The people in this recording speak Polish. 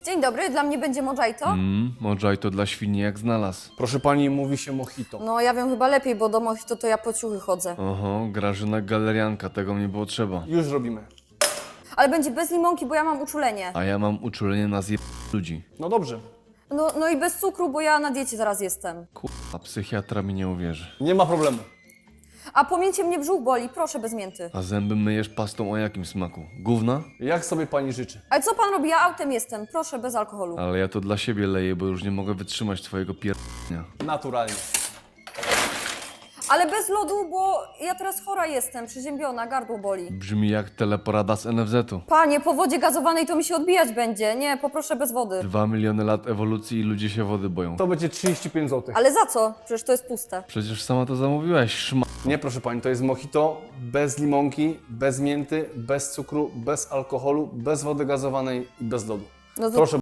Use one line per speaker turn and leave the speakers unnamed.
Dzień dobry, dla mnie będzie mojito?
Mojito dla świni jak znalazł.
Proszę pani, mówi się mojito.
No ja wiem chyba lepiej, bo do mojito to ja po ciuchy chodzę.
Oho, Grażyna galerianka, tego mnie było trzeba.
Już robimy.
Ale będzie bez limonki, bo ja mam uczulenie.
A ja mam uczulenie na ludzi.
No dobrze.
No i bez cukru, bo ja na diecie zaraz jestem.
A psychiatra mi nie uwierzy.
Nie ma problemu.
A pamięcie mnie brzuch boli, proszę bez mięty.
A zęby myjesz pastą o jakim smaku? Gówna?
Jak sobie pani życzy?
Ale co pan robi? Ja autem jestem, proszę bez alkoholu.
Ale ja to dla siebie leję, bo już nie mogę wytrzymać twojego pierdnia.
Naturalnie.
Ale bez lodu, bo ja teraz chora jestem, przeziębiona, gardło boli.
Brzmi jak teleporada z NFZ-u.
Panie, po wodzie gazowanej to mi się odbijać będzie. Nie, poproszę bez wody.
2 miliony lat ewolucji i ludzie się wody boją.
To będzie 35 zł.
Ale za co? Przecież to jest puste.
Przecież sama to zamówiłaś, szma...
Nie, proszę pani, to jest mojito bez limonki, bez mięty, bez cukru, bez alkoholu, bez wody gazowanej i bez lodu.
No to
Proszę